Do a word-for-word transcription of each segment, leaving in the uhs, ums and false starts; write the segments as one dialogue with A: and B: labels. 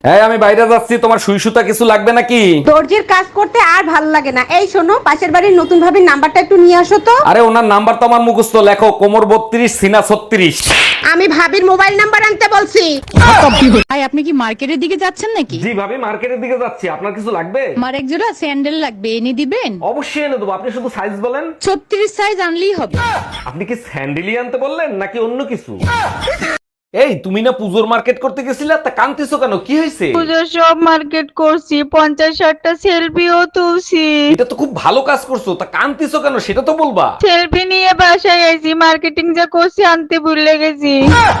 A: এই আমি বাইরে যাচ্ছি, তোমার সুই সুতা কিছু লাগবে নাকি?
B: দর্জির কাজ করতে আর ভালো লাগে না। এই শোনো, পাশের বাড়ির নতুন ভাবির নাম্বারটা একটু নিয়ে আসো তো।
A: আরে ওনার নাম্বার তো আমার মুখস্থ, লেখো কোমর বত্রিশ সিনা ছত্রিশ।
B: আমি ভাবির মোবাইল নাম্বার আনতে বলছি।
C: ভাই আপনি কি মার্কেটের দিকে যাচ্ছেন নাকি?
A: জি ভাবি, মার্কেটের দিকে যাচ্ছি। আপনার কিছু লাগবে?
C: আমার এক জোড়া স্যান্ডেল লাগবে, এনে দিবেন?
A: অবশ্যই এনে দেবো, আপনি শুধু সাইজ বলেন।
C: ছত্রিশ সাইজ আনলেই হবে।
A: আপনি কি স্যান্ডেলি আনতে বললেন নাকি অন্য কিছু? এই তুমি না পুজোর মার্কেট করতে গেছিলা, তা কাঁদতেছো কেন? কি হয়েছে?
D: পুজোর সব মার্কেট করছি, পঞ্চাশ ষাটটা সেলফিও তুলছি।
A: এটা তো খুব ভালো কাজ করছো, তা কাঁদতেছো কেন সেটা তো বলবা।
D: সেলফি নিয়ে বাসায় আইছি, মার্কেটিং যা করছি আনতে ভুলে গেছি।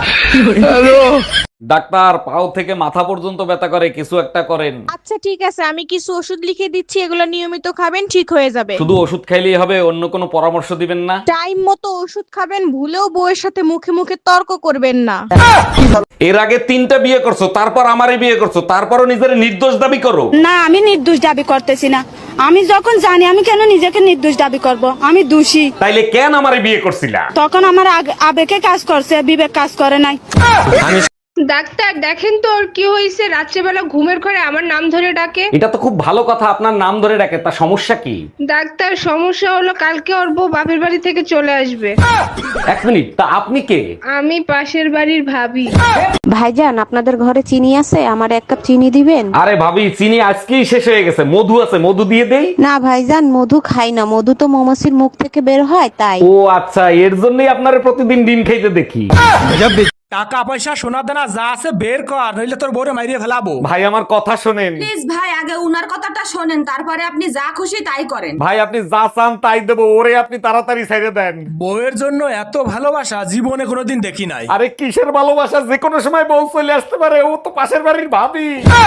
A: ডাক্তার, পাও থেকে মাথা পর্যন্ত ব্যথা করে, কিছু একটা করেন।
E: আচ্ছা ঠিক আছে, আমি কিছু ওষুধ লিখে দিচ্ছি, এগুলো নিয়মিত খাবেন, ঠিক হয়ে যাবে।
A: শুধু ওষুধ খাইলেই হবে? অন্য কোনো পরামর্শ দিবেন না?
E: টাইম মতো ওষুধ খাবেন, ভুলেও বউয়ের সাথে মুখে মুখে তর্ক করবেন না।
A: এর আগে তিনটা বিয়ে করছো, তারপর আমারে বিয়ে করছো, তারপরও নিজের নির্দোষ দাবি করো।
F: না, আমি নির্দোষ দাবি করতেছি না। আমি যখন জানি, আমি কেন নিজেকে নির্দোষ দাবি করব? আমি দোষী।
A: তাইলে কেন আমারে বিয়ে করছিলা?
F: তখন আমার আগ- আবেগে কাজ করছে, বিবেক কাজ করে নাই।
G: ডাক্তার দেখেন তো ওর কি হয়েছে, রাত্রেবেলা ঘুমের ঘরে আমার নাম ধরে ডাকে।
A: এটা তো খুব ভালো কথা, আপনার নাম ধরে ডাকে, তা সমস্যা কি?
G: ডাক্তার সমস্যা হলো কালকে ওর বউ বাপের বাড়ি থেকে চলে আসবে।
A: এক মিনিট, তা আপনি কে?
G: আমি পাশের বাড়ির ভাবি।
B: ভাইজান, আপনাদের ঘরে চিনি আছে? আমার এক কাপ চিনি দিবেন?
A: আরে ভাবি, চিনি আজকেই শেষ হয়ে গেছে, মধু আছে, মধু দিয়ে দেই।
B: না ভাইজান, মধু খাই না। মধু তো মৌমাছির মুখ থেকে বের হয়, তাই।
A: ও আচ্ছা, এর জন্যই আপনারে প্রতিদিন ডিম খাইতে দেখি।
H: টাকা পয়সা সোনা দানা যা আছে বের কর, নইলে তোর বউরে মাইরিয়ে ফেলাবো।
A: ভাই আমার কথা শোনেন।
I: প্লিজ ভাই, আগে উনার কথাটা শোনেন, তারপরে আপনি যা খুশি তাই করেন।
A: ভাই আপনি যা চান তাই দেবো, ওরে আপনি তাড়াতাড়ি ছেড়ে দেন।
H: বউয়ের জন্য এত ভালোবাসা জীবনে কোনোদিন দেখি নাই।
A: আরে কিসের ভালোবাসা, যে কোনো সময় বউ চলে আসতে পারে, ও তো পাশের বাড়ির ভাবি।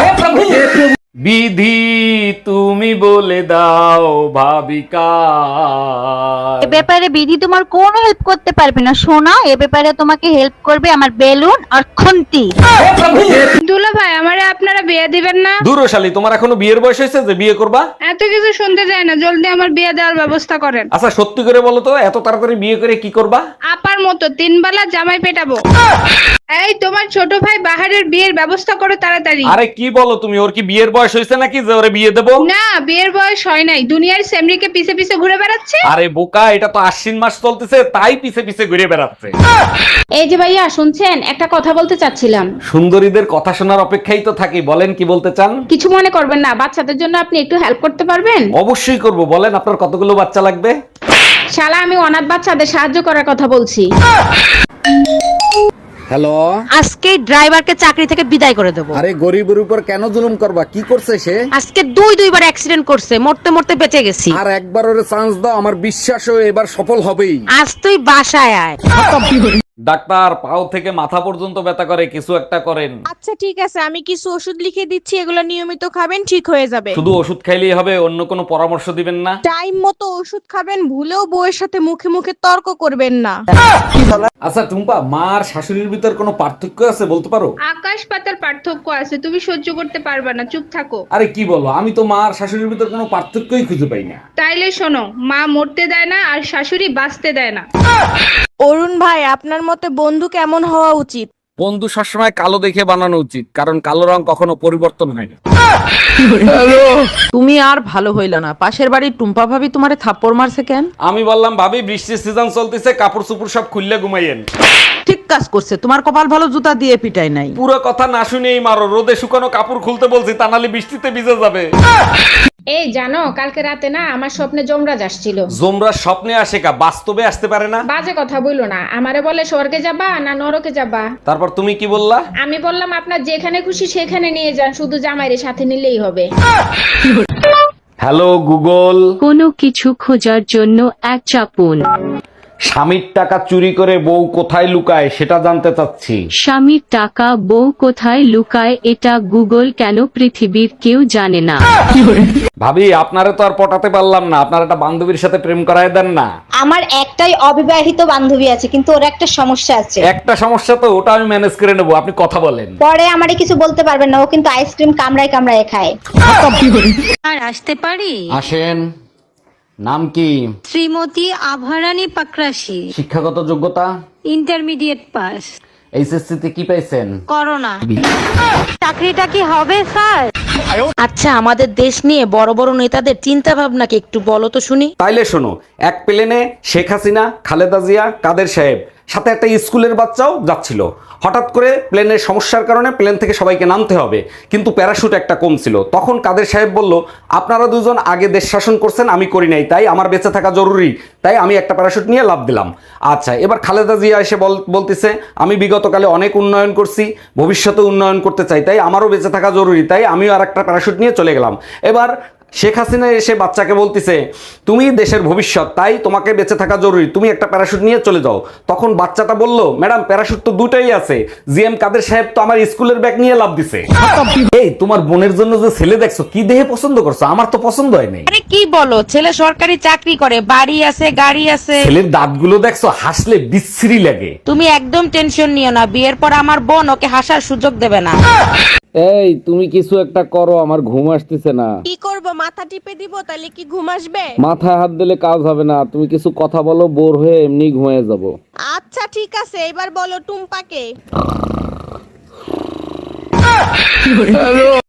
A: বিধি তুমি বলে দাও ভাবিকা।
D: এ ব্যাপারে বিধি তোমার কোনো হেল্প করতে পারবে না সোনা, এ ব্যাপারে তোমাকে হেল্প করবে আমার বেলুন আর খুন্তি।
G: দুলা ভাই, আমারে আপনারা বিয়ে দিবেন না?
A: দূরশালী, তোমার এখনো বিয়ের বয়স হয়েছে যে বিয়ে করবা?
G: এত কিছু শুনতে যায় না, জলদি আমার বিয়ে দেওয়ার ব্যবস্থা করেন।
A: আচ্ছা সত্যি করে বলো তো, এত তাড়াতাড়ি বিয়ে করে কি করবা?
G: আপার মতো তিন বেলা জামাই পেটাবো। এই তোমার ছোট ভাই বাহারের বিয়ের ব্যবস্থা করো তাড়াতাড়ি।
A: আরে কি বলো তুমি, ওর কি বিয়ের বয়স হয়েছে নাকি যে ওরে বিয়ে দেবো?
G: না, বিয়ের বয়স হয় নাই, দুনিয়ার সেমরিকে পিছে পিছে ঘুরে বেড়াচ্ছে।
A: আরে বোকা, এটা তো আশ্বিন মাস চলতেছে, তাই পিছে পিছে ঘুরে বেড়াচ্ছে।
B: এই যে ভাইয়া শুনছেন, একটা কথা বলতে চাচ্ছিলাম।
A: সুন্দরীদের কথা শোনার অপেক্ষাই তো থাকি, বলেন কি বলতে চান?
B: কিছু মনে করবেন না, বাচ্চাদের জন্য আপনি একটু হেল্প করতে পারবেন?
A: অবশ্যই করব, বলেন আপনার কতগুলো বাচ্চা লাগবে?
B: শালা, আমি অনাথ বাচ্চাদের সাহায্য করার কথা বলছি।
A: হ্যালো,
C: আজকে ড্রাইভারকে চাকরি থেকে বিদায় করে দেবো।
A: আরে গরিবের উপর কেন জুলুম করবা? কি করছে সে?
C: আজকে দুই দুইবার অ্যাক্সিডেন্ট করছে, মরতে মরতে বেঁচে গেছি।
A: আর একবার ওরে চান্স দাও, আমার বিশ্বাস ও এবার সফল হবেই।
C: আজ তুই বাসায় আয়।
A: ডাক্তার, পাও থেকে মাথা পর্যন্ত ব্যথা করে, কিছু একটা করেন।
E: আচ্ছা ঠিক আছে, আমি কিছু ওষুধ লিখে দিচ্ছি, এগুলো নিয়মিত খাবেন, ঠিক হয়ে যাবে।
A: শুধু ওষুধ খাইলেই হবে? অন্য কোনো পরামর্শ দিবেন না?
E: টাইম মতো ওষুধ খাবেন, ভুলেও বউয়ের সাথে মুখে মুখে তর্ক করবেন না।
A: আচ্ছা টুম্পা, মা আর শাশুড়ির ভিতর কোনো পার্থক্য আছে বলতে পারো?
G: আকাশ পাতার পার্থক্য আছে, তুমি সহ্য করতে পারবে না, চুপ থাকো।
A: আরে কি বলো, আমি তো মা আর শাশুড়ির ভিতর কোনো পার্থক্যই খুঁজে পাই না।
G: তাইলে শোনো, মা মরতে দেয় না আর শাশুড়ি বাঁচতে দেয় না।
E: অরুণ ভাই, আপনার মতে বন্ধু কেমন হওয়া উচিত?
A: বন্ধু সবসময় কালো দেখে বানানো উচিত, কারণ কালো রং কখনো পরিবর্তন হয় না।
J: তুমি আর ভালো হইল না, পাশের বাড়ির টুম্পা ভাবি তোমারে থাপ্পড় মারছে কেন?
A: আমি বললাম ভাবি, বৃষ্টির সিজন চলতেছে, কাপড় চুপড় সব খুললে ঘুমাইয়েন।
J: ঠিক কাজ করছে, তোমার কপাল ভালো, জুতা দিয়ে পিটাই নাই।
A: পুরো কথা না শুনেই মারো, রোদে শুকানো কাপড় খুলতে বলছি, তা নাহলে বৃষ্টিতে ভিজে যাবে।
B: এই জানো, কালকে রাতে না আমার স্বপ্নে যমরাজ আসছিল।
A: জোমরা স্বপ্নে আসে কা, বাস্তবে আসতে পারে না?
B: বাজে কথা বইলো না, আমারে বলে স্বর্গে যাবা না নরকে যাবা।
A: তারপর তুমি কি বললা?
B: আমি বললাম আপনার যেখানে খুশি সেখানে নিয়ে যান, শুধু জামাইরে সাথে নিলেই হবে।
A: হ্যালো গুগল,
K: কোনো কিছু খোঁজার জন্য এক চাপুন।
A: স্বামীর টাকা চুরি করে বউ কোথায় লুকায় সেটা জানতে চাচ্ছি।
K: স্বামীর টাকা বউ কোথায় লুকায় এটা গুগল কেন পৃথিবীর কেউ জানে না।
A: ভাবি, আপনারে তো আর পটাতে পারলাম না, আপনার একটা বান্ধবীর সাথে প্রেম করায় দেন না।
D: আমার একটাই অবিবাহিত বান্ধবী আছে, কিন্তু ওর একটা সমস্যা আছে।
A: একটা সমস্যা তো, ওটা আমি ম্যানেজ করে নেবো, আপনি কথা বলেন।
D: পরে আমারে কিছু বলতে পারবেন না, ও কিন্তু আইসক্রিম কামড়ায় কামড়ায় খায়।
I: আর আসতে পারি?
A: আসেন। নাম কি?
I: শ্রীমতী আভারানী পাকরাশি।
A: শিক্ষাগত যোগ্যতা?
I: Intermediate pass.
A: এইচএসসি তে কি পাইছেন?
C: করোনা। চাকরিটা কি হবে স্যার? আচ্ছা, আমাদের দেশ নিয়ে বড় বড় নেতাদের চিন্তা ভাবনা কি একটু বলো তো শুনি।
A: তাইলে শোনো, এক প্লেনে শেখ হাসিনা, খালেদা জিয়া, কাদের সাহেব, সাথে একটা স্কুলের বাচ্চাও যাচ্ছিল। হঠাৎ করে প্লেনের সমস্যার কারণে প্লেন থেকে সবাইকে নামতে হবে, কিন্তু প্যারাশুট একটা কম ছিল। তখন কাদের সাহেব বলল, আপনারা দুজন আগে দেশ শাসন করছেন, আমি করি নাই, তাই আমার বেঁচে থাকা জরুরি, তাই আমি একটা প্যারাশুট নিয়ে লাফ দিলাম। আচ্ছা, এবার খালেদা জিয়া এসে বল- বলতেছে আমি বিগতকালে অনেক উন্নয়ন করছি, ভবিষ্যতে উন্নয়ন করতে চাই, তাই আমারও বেঁচে থাকা জরুরি, তাই আমিও আর একটা প্যারাশুট নিয়ে চলে গেলাম। এবার শেখ হাসিনা এসে বাচ্চাকে বলতেছে তুমি দেশের ভবিষ্যৎ, তাই তোমাকে বেঁচে থাকা জরুরি, তুমি একটা প্যারাশুট নিয়ে চলে যাও। তখন বাচ্চাটা বলল, ম্যাডাম প্যারাশুট তো দুটাই আছে, জিএম কাদের সাহেব তো আমার স্কুলের ব্যাগ নিয়ে লাভ দিছে। এই তোমার বোনের জন্য যে ছেলে দেখছো, কি দেহে পছন্দ করছো? আমার তো পছন্দ হয় নাই।
C: আরে কি বলো, ছেলে সরকারি চাকরি করে, বাড়ি আছে, গাড়ি আছে।
A: ছেলের দাঁতগুলো দেখছো, হাসলে বিশ্রী লাগে।
C: তুমি একদম টেনশন নিও না, বিয়ের পর আমার বোন ওকে হাসার সুযোগ দেবে না।
A: এই তুমি কিছু একটা করো, আমার ঘুম আসতেছে না।
E: কি করব, মাথা টিপে দিব তাহলে কি ঘুম আসবে?
A: মাথায় হাত দিলে কাজ হবে না, তুমি কিছু কথা বলো, বোর হয়ে এমনি ঘুমিয়ে যাব।
E: আচ্ছা ঠিক আছে, এবার বলো টুম্পাকে।